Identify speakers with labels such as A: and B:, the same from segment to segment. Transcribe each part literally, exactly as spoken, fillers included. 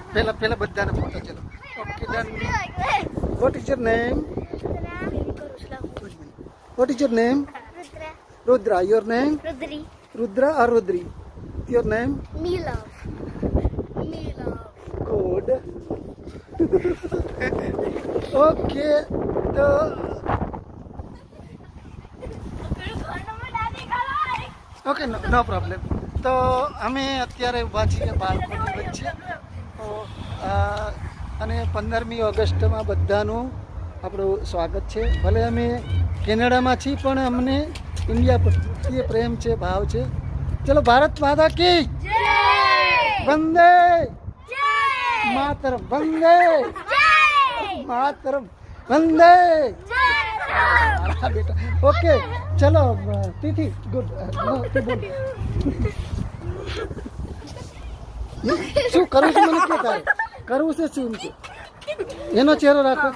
A: પહેલા પહેલા બધાને ફોટો ચલો. Okay done. What is your name? What is your name? Rudra. Your name?
B: Rudri.
A: Rudra or Rudri? Your name?
B: Mila. Mila.
A: Good. Okay. તો okay no problem. તો અમે અત્યારે ઊભા છીએ બાળકોની વચ્ચે. તો અને પંદરમી ઓગસ્ટમાં બધાનું આપણું સ્વાગત છે. ભલે અમે કેનેડામાં છીએ પણ અમને ઇન્ડિયા પ્રત્યે પ્રેમ છે, ભાવ છે. ચલો ભારત માતા કી વંદે માતરમ, વંદે માતરમ, વંદે. બેટા ઓકે ચલો તિથિ ગુડ. શું કરવું છે મને કે તારે કરવું છે શું છે? એનો ચહેરો રાખો.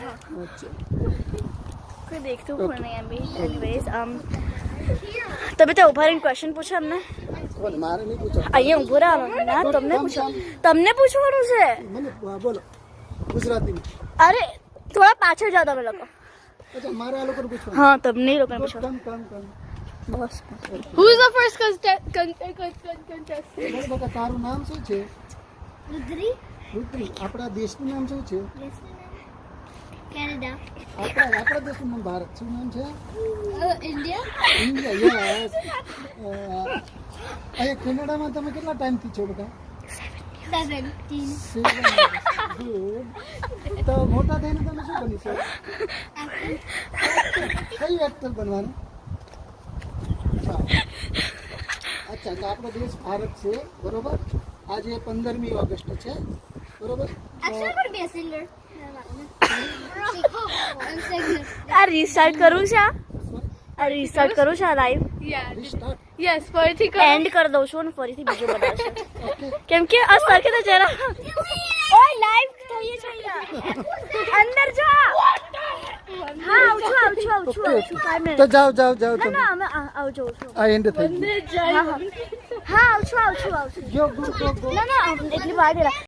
B: कोई देखते हो नहीं अभी. एनीवेज um तभी तो ऊपर इन क्वेश्चन पूछा हमने.
A: કોને મારે નહીં પૂછો.
B: અહીંયા ઊભો રહો ના, તમને પૂછો, તમને પૂછવાનું છે.
A: મને બોલો ગુજરાતીમાં.
B: અરે થોડા પાછળ જાઓ તમે લોકો.
A: અચ્છા મારે આ લોકોને પૂછવાનું.
B: હા તમને લોકોને પૂછો.
A: કમ કમ કમ
B: બસ.
C: Who is the first contestant?
A: બોલ બકા તારું નામ શું છે?
B: રુદ્રી.
A: રુદ્રી. આપણા દેશનું નામ શું છે?
B: કેનેડા.
A: આપણા આપણા દેશનું નામ ભારત. શું નામ છે?
C: India?
A: ઇન્ડિયા. યસ. અહીંયા કેનેડામાં તમે કેટલા ટાઈમથી છો બધા?
C: Seventeen.
A: ગુડ. તો મોટા થઈને તમે શું બની છો? કઈ એક્ટર બનવાનું? અચ્છા તો આપણો દેશ ભારત છે બરોબર. આજે પંદરમી ઓગસ્ટ છે બરોબર.
C: Actually, could be a singer.
B: આ રીસ્ટાર્ટ કરું છે. આ રીસ્ટાર્ટ કરું છે લાઈવ.
C: Yeah.
A: રિસ્ટાર્ટ.
C: Yes, ફરીથી કરો.
B: એન્ડ કરી દઉં છું અને ફરીથી બીજો બનાવશે. કેમ કે આ સરખે તો જરા ઓય લાઈવ થઈએ છે અહીંયા. અંદર જા. હા આવું છું આવું છું આવું છું આવું છું. five
A: તો
B: minutes.
A: જાઓ જાઓ જાઓ
B: ના
A: તમે.
B: ના અમે આ- આવું છું આવું છું.
A: આ એન્ડ થઈ ગયું.
B: હા હા હા આવું છું આવું છું આવું છું.
A: ગયો ગો ગો ગો.
B: ના ના એટલી વાર નહીં લાગે.